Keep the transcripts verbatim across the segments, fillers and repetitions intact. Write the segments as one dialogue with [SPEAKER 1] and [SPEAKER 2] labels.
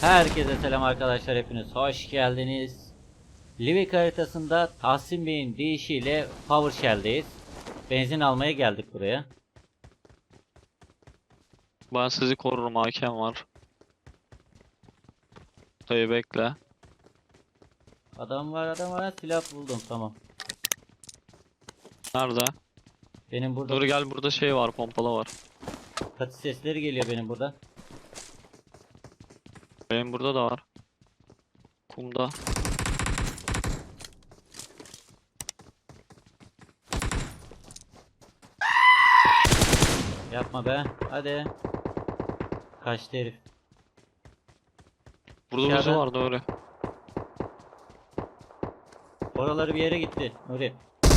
[SPEAKER 1] Herkese selam arkadaşlar, hepiniz hoş geldiniz. Livik haritasında Tahsin Bey'in deyişiyle PowerShell'deyiz. Benzin almaya geldik buraya.
[SPEAKER 2] Ben sizi korurum, hakem var. Dayı bekle.
[SPEAKER 1] Adam var, adam var, silah buldum, tamam.
[SPEAKER 2] Nerede?
[SPEAKER 1] Benim burada
[SPEAKER 2] Nuri gel, burada şey var, pompalı var.
[SPEAKER 1] katı sesleri geliyor benim burada.
[SPEAKER 2] Benim burada da var. Kumda.
[SPEAKER 1] Yapma be, hadi. Kaçtı herif.
[SPEAKER 2] Burada birisi
[SPEAKER 1] Dışarıda.
[SPEAKER 2] var Nuri.
[SPEAKER 1] Oraları bir yere gitti Nuri.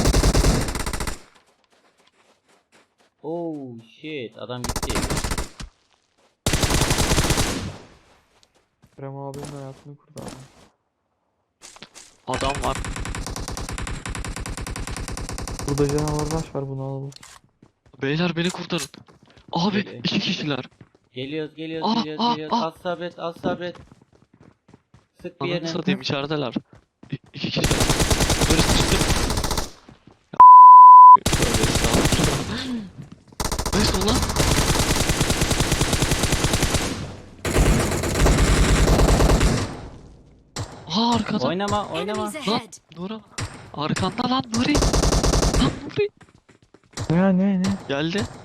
[SPEAKER 1] Oh shit, adam gitti.
[SPEAKER 3] Kerem abinin hayatını kurtardı.
[SPEAKER 2] Adam var.
[SPEAKER 3] Burada canavar baş var, bunu alalım.
[SPEAKER 2] Beyler beni kurtarın. Abi
[SPEAKER 1] Geliyor.
[SPEAKER 2] iki kişiler.
[SPEAKER 1] Geliyoruz, geliyoruz,
[SPEAKER 2] Ah,
[SPEAKER 1] geliyoruz,
[SPEAKER 2] ah,
[SPEAKER 1] geliyoruz.
[SPEAKER 2] ah.
[SPEAKER 1] Az sabret, az sabret. Sık bir
[SPEAKER 2] Ananı
[SPEAKER 1] yerine.
[SPEAKER 2] satayım, içerideler. İ iki kişiler. Nuri sıçtım. Ya, tövbe estağfurullah. Neyse ulan. Aa arkada.
[SPEAKER 1] Oynama, oynama.
[SPEAKER 4] Enemies
[SPEAKER 2] Lan
[SPEAKER 4] ahead.
[SPEAKER 2] Nuri. Arkanda lan Nuri. Lan Nuri.
[SPEAKER 3] Ne ne ne?
[SPEAKER 2] Geldi. Geldi.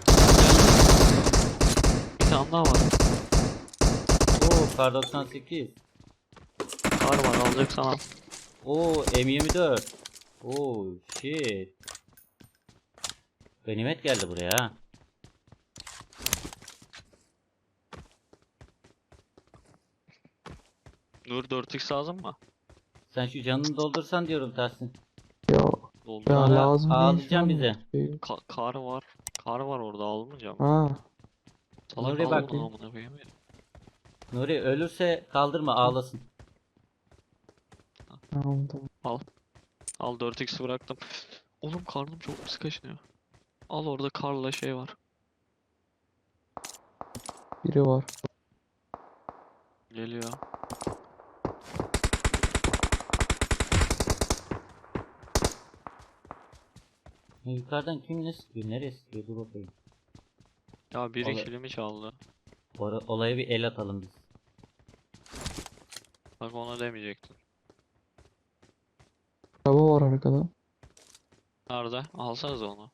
[SPEAKER 2] Bir tane daha var.
[SPEAKER 1] Oo, kar doksan sekiz.
[SPEAKER 2] Kar var, alacaksan al.
[SPEAKER 1] Oo, M yirmi dört. Oo, shit. Ganimet geldi buraya ha.
[SPEAKER 2] Nur dört x lazım mı?
[SPEAKER 1] Sen şu canını doldursan diyorum Tahsin.
[SPEAKER 3] Yok
[SPEAKER 2] Doldu.
[SPEAKER 3] ya,
[SPEAKER 1] Sonra
[SPEAKER 3] lazım değil şu
[SPEAKER 1] ağlayacağım
[SPEAKER 3] an.
[SPEAKER 1] bize.
[SPEAKER 3] Şey-
[SPEAKER 2] Ka- kar var. Kar var orada, almayacağım.
[SPEAKER 3] Ha,
[SPEAKER 2] Salak
[SPEAKER 1] Nuri bak.
[SPEAKER 2] alma amına koyayım ya.
[SPEAKER 1] Nuri ölürse kaldırma, ağlasın.
[SPEAKER 3] tamam tamam.
[SPEAKER 2] Al dört x bıraktım. Oğlum karnım çok pis kaşınıyor. Al, orada karla şey var.
[SPEAKER 3] Biri var.
[SPEAKER 2] Geliyor.
[SPEAKER 1] Yukarıdan kim ne sıkıyor? Nereye sıkıyor? Dur bakayım.
[SPEAKER 2] Ya biri
[SPEAKER 1] Vallahi-
[SPEAKER 2] kilimi çaldı.
[SPEAKER 1] Ora- olaya bir el atalım biz.
[SPEAKER 2] Bak ona demeyecektin.
[SPEAKER 3] Araba var arkada.
[SPEAKER 2] Nerede? Alsanız onu.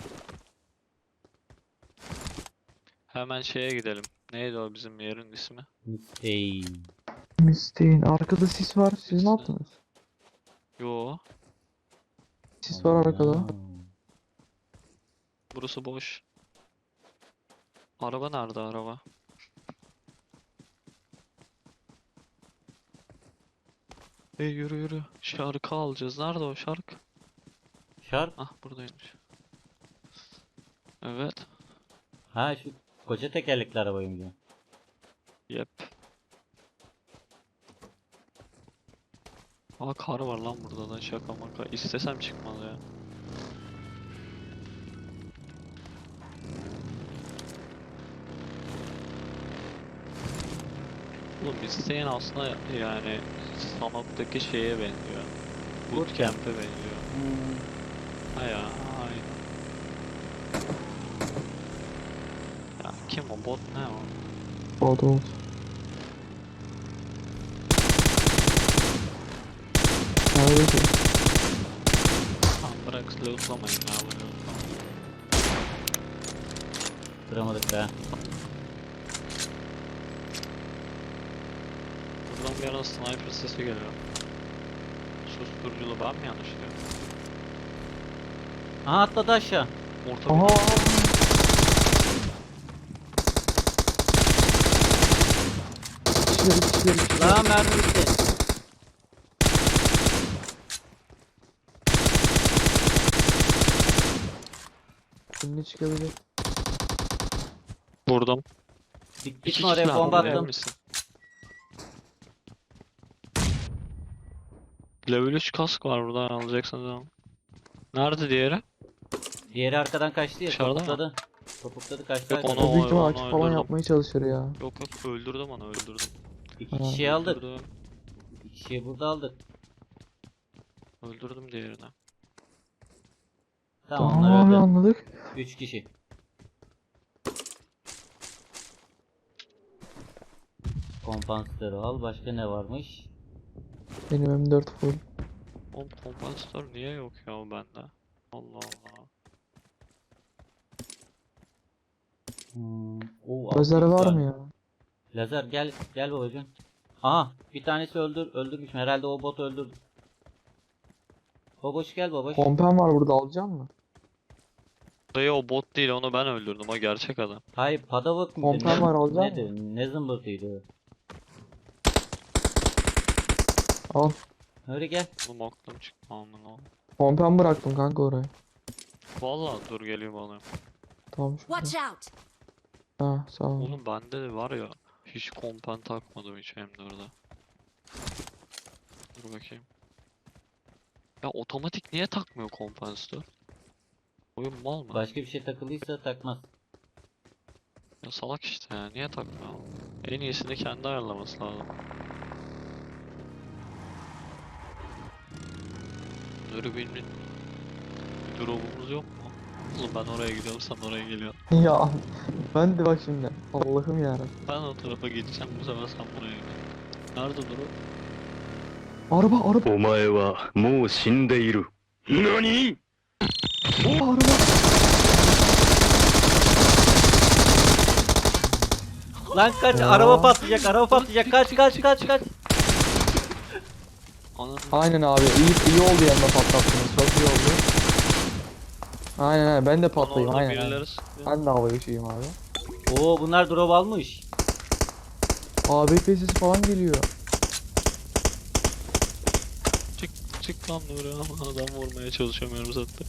[SPEAKER 2] Hemen şeye gidelim. Neydi o bizim yerin ismi?
[SPEAKER 1] Hey.
[SPEAKER 3] Misteğin arkada sis var. Siz ne yaptınız?
[SPEAKER 2] Yo,
[SPEAKER 3] Sis var arkada.
[SPEAKER 2] burası boş. Araba nerede araba? Hey yürü yürü. Şarkı alacağız. Nerede o şarkı?
[SPEAKER 1] Şark.
[SPEAKER 2] Ah buradaymış. Evet.
[SPEAKER 1] Ha, şu koca tekerlekli arabayı mı diyor?
[SPEAKER 2] Yep. Aa kar var lan burada da, şaka maka. İstesem çıkmaz ya. Oğlum isteyen aslında yani Sanok'taki şeye benziyor. Bootcamp'e benziyor.
[SPEAKER 1] Hmm.
[SPEAKER 2] Ha ya, aynen. Ya kim o, bot ne o?
[SPEAKER 3] Oldu oldu. Nerede ki?
[SPEAKER 2] Tamam bırak, lootlamayın ya bunu.
[SPEAKER 1] Kıramadık be.
[SPEAKER 2] Buradan bir ara sniper sesi geliyor. Susturuculu ben mi yanlış diyorum?
[SPEAKER 1] Aha, atladı aşağı.
[SPEAKER 2] Orta
[SPEAKER 3] Aha.
[SPEAKER 2] bir...
[SPEAKER 3] Kişiler kişiler kişiler.
[SPEAKER 1] Lan mermi bitti.
[SPEAKER 3] Önüne çıkabilir.
[SPEAKER 2] Vurdum.
[SPEAKER 1] Git,
[SPEAKER 2] İki
[SPEAKER 1] gitme oraya,
[SPEAKER 2] kişi
[SPEAKER 1] bomba
[SPEAKER 2] var,
[SPEAKER 1] attım.
[SPEAKER 2] misin? Level üç kask var burada, alacaksınız ama. Nerede diğeri?
[SPEAKER 1] Diğeri arkadan kaçtı ya,
[SPEAKER 2] Dışarıda mı?
[SPEAKER 1] topukladı. Topukladı, kaçtı.
[SPEAKER 2] Yok,
[SPEAKER 1] arkadan.
[SPEAKER 2] onu-
[SPEAKER 3] O büyük ihtimal
[SPEAKER 2] onu
[SPEAKER 3] açık falan
[SPEAKER 2] öldürdüm.
[SPEAKER 3] yapmaya çalışır ya.
[SPEAKER 2] Yok yok, öldürdüm onu, öldürdüm.
[SPEAKER 1] İki
[SPEAKER 3] Ha.
[SPEAKER 1] kişiyi aldık.
[SPEAKER 2] Öldürdüm.
[SPEAKER 1] İki kişiyi burada aldık.
[SPEAKER 2] Öldürdüm diğerini.
[SPEAKER 1] Tamam,
[SPEAKER 3] Tamam
[SPEAKER 1] onlar
[SPEAKER 3] abi
[SPEAKER 1] öldü.
[SPEAKER 3] anladık.
[SPEAKER 1] Üç kişi. Kompansatörü al. Başka ne varmış?
[SPEAKER 3] Benim M dört full.
[SPEAKER 2] Oğlum kompansatör niye yok ya bende? Allah Allah.
[SPEAKER 1] Hmm. O
[SPEAKER 3] Lazer var mı ya?
[SPEAKER 1] Lazer gel gel babacığım. Aha, bir tanesi öldür öldürmüş. Herhalde o bot öldürdü. Baboş gel baboş.
[SPEAKER 3] Kompen var burada, alacak mı?
[SPEAKER 2] Dayı o bot değil, onu ben öldürdüm, o gerçek adam.
[SPEAKER 1] Hayır, Padavok muydu?
[SPEAKER 3] Kompen
[SPEAKER 1] Ne,
[SPEAKER 3] var, alacak
[SPEAKER 1] neydi? Ne zımbırtıydı?
[SPEAKER 3] Al.
[SPEAKER 1] Öyle gel.
[SPEAKER 2] Oğlum aklım çıktı aman oğlum.
[SPEAKER 3] Kompen bıraktım kanka oraya.
[SPEAKER 2] Vallahi dur geliyorum alayım.
[SPEAKER 3] Tamam
[SPEAKER 4] Watch
[SPEAKER 3] şurada.
[SPEAKER 4] out!
[SPEAKER 3] Ha sağ ol.
[SPEAKER 2] Oğlum bende de var ya, hiç kompen takmadım hiç M dörde. Dur bakayım. Ya otomatik niye takmıyor kompansatör? Oyun mal mı?
[SPEAKER 1] Başka bir şey takılıysa takmaz.
[SPEAKER 2] Ya salak işte ya, niye takmıyor? En iyisini kendi ayarlaması lazım. Dürbünün bir drop'umuz yok mu? Oğlum ben oraya gidiyorum, sen oraya geliyorsun.
[SPEAKER 3] Ya ben de bak şimdi. Allah'ım yarabbim.
[SPEAKER 2] Ben o tarafa gideceğim, bu sefer sen buraya gel. Nerede drop?
[SPEAKER 3] Araba araba
[SPEAKER 5] お前はもう死んでいる。何
[SPEAKER 3] araba.
[SPEAKER 1] Lan kaç,
[SPEAKER 3] Ya.
[SPEAKER 1] araba patlayacak, araba patlayacak. Kaç kaç kaç kaç.
[SPEAKER 2] Ananı
[SPEAKER 3] Aynen abi, iyi iyi oldu yanına patlattınız. Çok iyi oldu. Aynen aynen, ben de
[SPEAKER 2] bana
[SPEAKER 3] patlayayım
[SPEAKER 2] orada
[SPEAKER 3] aynen. aynen.
[SPEAKER 2] birileri sıkıyor.
[SPEAKER 3] Ben de havaya uçayım abi.
[SPEAKER 1] Oo, bunlar drop almış.
[SPEAKER 3] A B P sesi falan geliyor.
[SPEAKER 2] Çık çık lan Nuri, ama adam vurmaya çalışamıyorum zaten.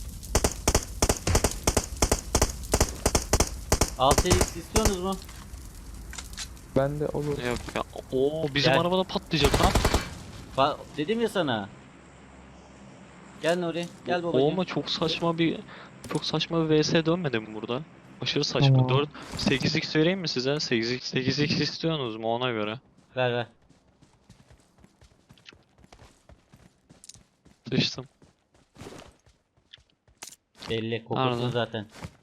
[SPEAKER 1] altı x istiyorsunuz mu?
[SPEAKER 3] Ben de olur.
[SPEAKER 2] Yok ya. Oo bizim
[SPEAKER 1] Gel.
[SPEAKER 2] arabada patlayacak lan.
[SPEAKER 1] Ba dedim ya sana. Gel Nuri, gel
[SPEAKER 2] O
[SPEAKER 1] babacığım.
[SPEAKER 2] ama çok saçma bir çok saçma bir V S dönmedi mi burada? Aşırı saçma.
[SPEAKER 3] Tamam.
[SPEAKER 2] dört sekiz x vereyim mi size? sekiz x sekiz x istiyorsunuz mu ona göre?
[SPEAKER 1] Ver ver.
[SPEAKER 2] Sıçtım.
[SPEAKER 1] Belli, kokusu
[SPEAKER 2] Nerede?
[SPEAKER 1] zaten.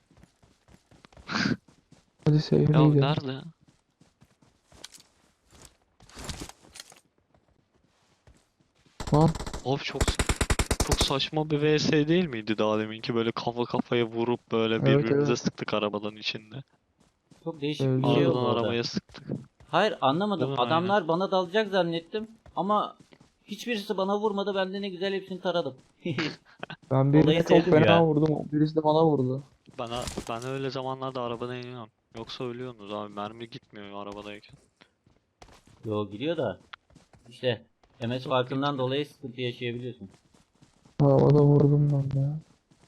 [SPEAKER 3] Hadi
[SPEAKER 2] Ya
[SPEAKER 3] sevgili gidelim.
[SPEAKER 2] nerede?
[SPEAKER 3] Lan
[SPEAKER 2] Abi çok çok saçma bir V S değil miydi daha deminki, böyle kafa kafaya vurup böyle
[SPEAKER 3] Evet,
[SPEAKER 2] birbirimize
[SPEAKER 3] evet.
[SPEAKER 2] sıktık arabadan içinde.
[SPEAKER 1] Çok değişik
[SPEAKER 3] Evet.
[SPEAKER 1] bir şey oldu
[SPEAKER 2] Arabadan
[SPEAKER 1] orada.
[SPEAKER 2] arabaya sıktık.
[SPEAKER 1] Hayır, anlamadım.
[SPEAKER 2] Değil mi?
[SPEAKER 1] Adamlar bana dalacak zannettim. Ama hiçbirisi bana vurmadı. Ben de ne güzel hepsini taradım.
[SPEAKER 3] ben birine
[SPEAKER 1] Olayı
[SPEAKER 3] çok
[SPEAKER 1] sevdim
[SPEAKER 3] fena
[SPEAKER 1] ya.
[SPEAKER 3] vurdum. Birisi de bana vurdu.
[SPEAKER 2] Bana ben öyle zamanlarda arabadan iniyorum. Yoksa ölüyorsunuz abi, mermi gitmiyor arabadayken.
[SPEAKER 1] Yo, gidiyor da. İşte M S
[SPEAKER 2] Çok
[SPEAKER 1] farkından
[SPEAKER 2] kötü.
[SPEAKER 1] dolayı sıkıntı yaşayabiliyorsun.
[SPEAKER 3] Havada vurdum ben ya.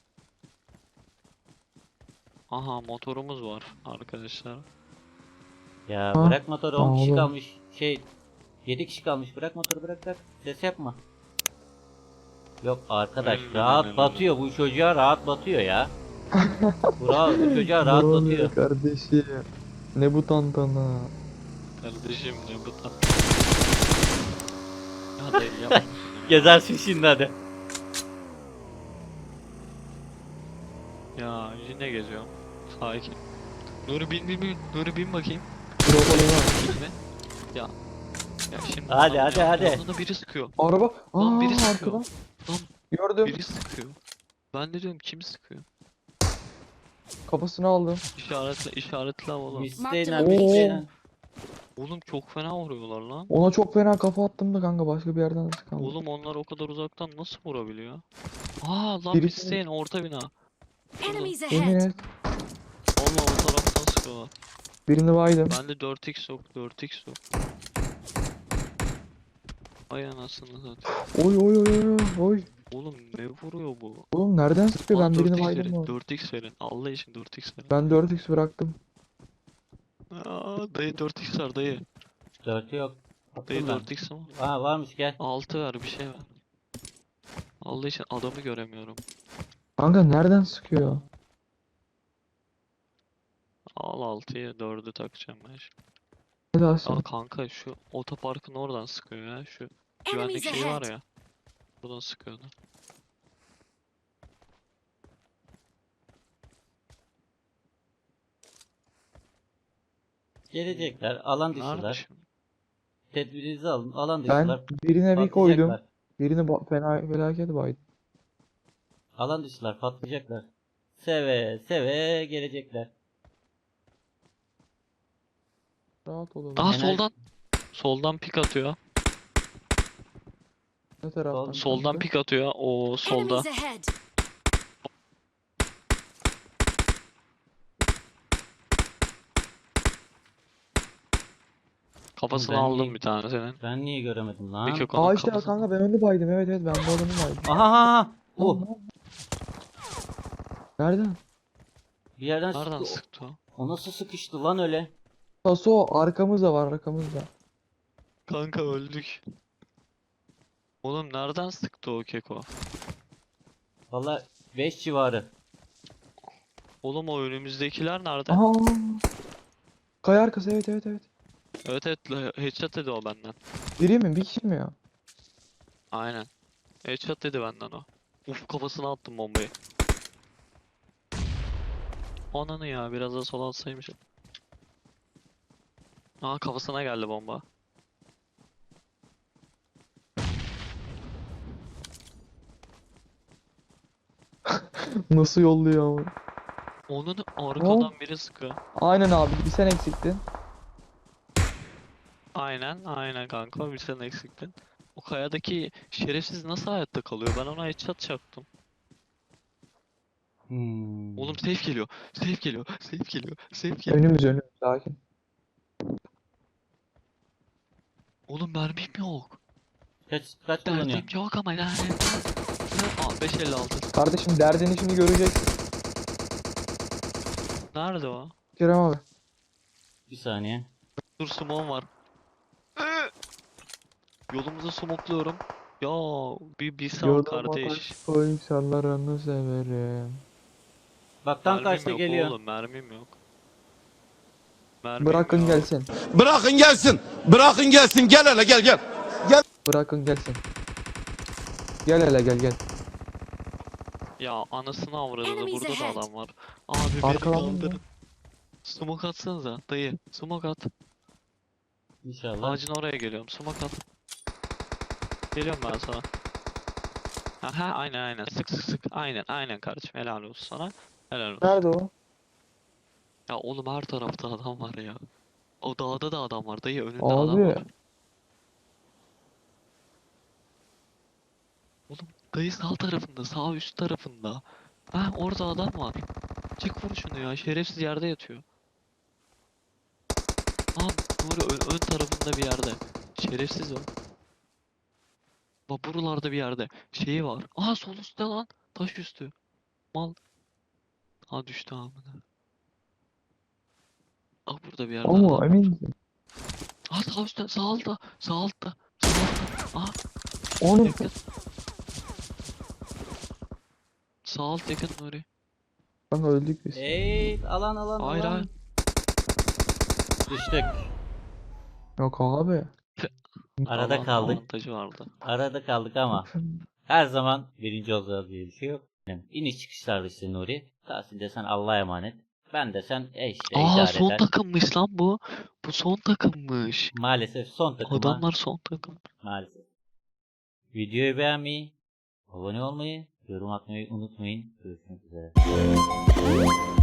[SPEAKER 2] Aha motorumuz var arkadaşlar.
[SPEAKER 1] Ya
[SPEAKER 3] Ha,
[SPEAKER 1] bırak motoru, on kişi
[SPEAKER 3] oğlum.
[SPEAKER 1] kalmış. Şey, yedi kişi kalmış. Bırak motoru, bırak bırak. Ses yapma. Yok arkadaş,
[SPEAKER 2] Hmm,
[SPEAKER 1] rahat
[SPEAKER 2] hmm,
[SPEAKER 1] batıyor. Bu çocuğa rahat batıyor ya. Bu, rahat, bu çocuğa rahat
[SPEAKER 3] Bravo
[SPEAKER 1] batıyor.
[SPEAKER 3] kardeşim. Ne bu tantana?
[SPEAKER 2] Kardeşim ne bu da? Ya dayı yapma.
[SPEAKER 1] Gezersin şimdi hadi.
[SPEAKER 2] Ya yine geziyorum. Sakin. Nuri bin bin bin. Nuri bin bakayım.
[SPEAKER 3] Drop'a döner.
[SPEAKER 2] Bin mi? Ya. Ya şimdi
[SPEAKER 1] Hadi,
[SPEAKER 2] bana
[SPEAKER 1] hadi,
[SPEAKER 2] ya-
[SPEAKER 1] hadi.
[SPEAKER 2] yanında biri sıkıyor.
[SPEAKER 3] Araba.
[SPEAKER 2] Lan
[SPEAKER 3] Aa
[SPEAKER 2] biri sıkıyor.
[SPEAKER 3] arkadan.
[SPEAKER 2] Lan
[SPEAKER 3] Gördüm.
[SPEAKER 2] biri sıkıyor. Ben de diyorum kim sıkıyor?
[SPEAKER 3] Kafasını aldım.
[SPEAKER 2] İşaretle işaretle oğlum.
[SPEAKER 1] Müsteynen,
[SPEAKER 3] Oo.
[SPEAKER 1] müsteynen.
[SPEAKER 2] Oğlum çok fena vuruyorlar lan.
[SPEAKER 3] Ona çok fena kafa attım da kanka, başka bir yerden nasıl kaldı?
[SPEAKER 2] Oğlum onlar o kadar uzaktan nasıl vurabiliyor? Aa lan
[SPEAKER 3] Birisi-
[SPEAKER 2] pisteyin orta bina.
[SPEAKER 4] Enemies
[SPEAKER 3] Yemin
[SPEAKER 4] ahead!
[SPEAKER 3] et.
[SPEAKER 2] Valla o taraftan sıkıyorlar.
[SPEAKER 3] Birini baydım.
[SPEAKER 2] Bende dört x yok, dört x yok. Ay anasını satayım.
[SPEAKER 3] Oy oy oy oy oy.
[SPEAKER 2] Oğlum ne vuruyor bu?
[SPEAKER 3] Oğlum nereden sıkıyor?
[SPEAKER 2] Bana
[SPEAKER 3] Ben birini
[SPEAKER 2] dört x
[SPEAKER 3] baydım
[SPEAKER 2] verin,
[SPEAKER 3] mı?
[SPEAKER 2] dört x verin. Allah için dört x verin.
[SPEAKER 3] Ben dört x bıraktım.
[SPEAKER 2] Aa, dayı dört x var dayı.
[SPEAKER 1] Dörtü yok.
[SPEAKER 2] Dayı
[SPEAKER 1] Attım ben.
[SPEAKER 2] dört x var.
[SPEAKER 1] Aa, varmış, gel.
[SPEAKER 2] altı ver bir şey ver. Allah için adamı göremiyorum.
[SPEAKER 3] Kanka nereden sıkıyor?
[SPEAKER 2] Al altıyı dördü takacağım ben şimdi.
[SPEAKER 3] Ne daha
[SPEAKER 2] Aa
[SPEAKER 3] sonra?
[SPEAKER 2] kanka şu otoparkın oradan sıkıyor ya. Şu
[SPEAKER 4] Enemies
[SPEAKER 2] güvenlik şeyi var
[SPEAKER 4] ahead.
[SPEAKER 2] ya. Buradan sıkıyordu.
[SPEAKER 1] Gelecekler. Alan
[SPEAKER 2] Nerede
[SPEAKER 1] dışılar.
[SPEAKER 2] şimdi?
[SPEAKER 1] Tedbirinizi alın. Alan
[SPEAKER 3] Ben
[SPEAKER 1] dışılar.
[SPEAKER 3] birine bir koydum.
[SPEAKER 1] Patlayacaklar.
[SPEAKER 3] Birini ba- fena felaket baydım.
[SPEAKER 1] Alan dışılar patlayacaklar. Seve seve gelecekler.
[SPEAKER 3] Rahat olalım.
[SPEAKER 2] Aa
[SPEAKER 1] Ener-
[SPEAKER 2] soldan. Soldan pik atıyor.
[SPEAKER 3] Ne taraftan?
[SPEAKER 2] Soldan
[SPEAKER 3] kanka?
[SPEAKER 2] pik atıyor. O solda.
[SPEAKER 4] Enemies ahead.
[SPEAKER 2] Kafasını
[SPEAKER 1] Ben
[SPEAKER 2] aldım
[SPEAKER 1] niye-
[SPEAKER 2] bir tane senin.
[SPEAKER 1] Ben niye göremedim lan?
[SPEAKER 2] Peki onun
[SPEAKER 3] Aa işte
[SPEAKER 2] kafasını-
[SPEAKER 3] kanka ben onu baydım. Evet evet ben bu adamı baydım.
[SPEAKER 1] Aha aha, aha.
[SPEAKER 3] Oh.
[SPEAKER 1] Oh.
[SPEAKER 3] Nereden?
[SPEAKER 1] Bir yerden
[SPEAKER 2] Nereden
[SPEAKER 1] sıktı.
[SPEAKER 2] sıktı o?
[SPEAKER 1] O nasıl sıkıştı lan öyle?
[SPEAKER 3] Taso arkamızda var arkamızda.
[SPEAKER 2] Kanka öldük. Oğlum nereden sıktı o keko?
[SPEAKER 1] Valla beş civarı.
[SPEAKER 2] Oğlum o önümüzdekiler nerede?
[SPEAKER 3] Aha. Kaya arkası evet evet evet.
[SPEAKER 2] Evet evet la- headshot dedi o benden.
[SPEAKER 3] Biri mi? Bir kişi mi ya?
[SPEAKER 2] Aynen. Headshot dedi benden o. Uf kafasına attım bombayı. Ananı ya biraz da sola atsaymış. Aa kafasına geldi bomba.
[SPEAKER 3] Nasıl yolluyor ama?
[SPEAKER 2] Onun arkadan
[SPEAKER 3] Oh.
[SPEAKER 2] biri sıkıyor.
[SPEAKER 3] Aynen abi bir sen eksiktin.
[SPEAKER 2] Aynen aynen kanka bir sen eksiktin. O kayadaki şerefsiz nasıl hayatta kalıyor? Ben ona headshot çaktım.
[SPEAKER 1] Hmm.
[SPEAKER 2] Oğlum safe geliyor. Safe geliyor. Safe geliyor. Safe geliyor.
[SPEAKER 3] Önümüz önümüz sakin.
[SPEAKER 2] Oğlum mermim yok.
[SPEAKER 1] Kaç kaç kullanıyor?
[SPEAKER 2] Derdim yok ama yani. Aa beş elli altı.
[SPEAKER 3] Kardeşim derdini şimdi göreceksin.
[SPEAKER 2] Nerede o?
[SPEAKER 3] Kerem abi.
[SPEAKER 1] Bir saniye.
[SPEAKER 2] Dur smoke var. Yolumuzu smokluyorum. Ya bir bir sal
[SPEAKER 3] Yoluma
[SPEAKER 2] kardeş.
[SPEAKER 3] taş koy sallarını severim.
[SPEAKER 1] Bak tam
[SPEAKER 2] Mermim
[SPEAKER 1] karşıda
[SPEAKER 2] yok
[SPEAKER 1] geliyor.
[SPEAKER 2] oğlum mermim yok. Mermim
[SPEAKER 3] Bırakın
[SPEAKER 2] yok.
[SPEAKER 3] gelsin.
[SPEAKER 6] Bırakın gelsin. Bırakın gelsin. Gel hele gel gel.
[SPEAKER 3] Bırakın gelsin. Gel hele gel gel.
[SPEAKER 2] Ya anasını avradını
[SPEAKER 4] Enemies
[SPEAKER 2] burada da
[SPEAKER 4] ahead.
[SPEAKER 2] adam var. Abi beni
[SPEAKER 3] Arkadan mı?
[SPEAKER 2] kaldırın. Smoke atsanıza dayı. Smoke at.
[SPEAKER 1] İnşallah.
[SPEAKER 2] Ağacın oraya geliyorum. Smoke at. Geliyorum ben sana. Aha aynen aynen. Sık sık sık. Aynen aynen kardeşim. Helal olsun sana. Helal olsun.
[SPEAKER 3] Nerede o?
[SPEAKER 2] Ya oğlum her tarafta adam var ya. O dağda da adam var dayı önünde adam
[SPEAKER 3] Abi.
[SPEAKER 2] var. Oğlum dayı sağ tarafında sağ üst tarafında. Ha orada adam var. Çık vur şunu ya şerefsiz yerde yatıyor. Aa Nuri ön, ön tarafında bir yerde. Şerefsiz o. Bak buralarda bir yerde. Şeyi var. Aa sol üstte lan. Taş üstü. Mal. Ha düştü amına. Aa burada bir yerde adam
[SPEAKER 3] Ama
[SPEAKER 2] var.
[SPEAKER 3] emin misin?
[SPEAKER 2] Aa sağ üstte sağ altta. Sağ altta. Sağ altta. Aa
[SPEAKER 3] Onu
[SPEAKER 2] yakın. Sağ alt yakın Nuri.
[SPEAKER 3] kanka öldük biz.
[SPEAKER 1] Ey alan alan
[SPEAKER 2] Hayır
[SPEAKER 1] alan.
[SPEAKER 2] hayır.
[SPEAKER 1] Düştük.
[SPEAKER 3] Yok abi.
[SPEAKER 1] Arada
[SPEAKER 2] Alan
[SPEAKER 1] kaldık.
[SPEAKER 2] avantajı vardı.
[SPEAKER 1] Arada kaldık ama her zaman birinci olacağız diye bir şey yok. Yani iniş çıkışlardı işte Nuri. Tahsin desen Allah'a emanet. Ben desen e işte
[SPEAKER 2] Aa
[SPEAKER 1] idare
[SPEAKER 2] son
[SPEAKER 1] eder.
[SPEAKER 2] takımmış lan bu. Bu son takımmış.
[SPEAKER 1] Maalesef son takıma.
[SPEAKER 2] Adamlar son takım.
[SPEAKER 1] Maalesef. Videoyu beğenmeyi, abone olmayı, yorum atmayı unutmayın. Görüşmek üzere.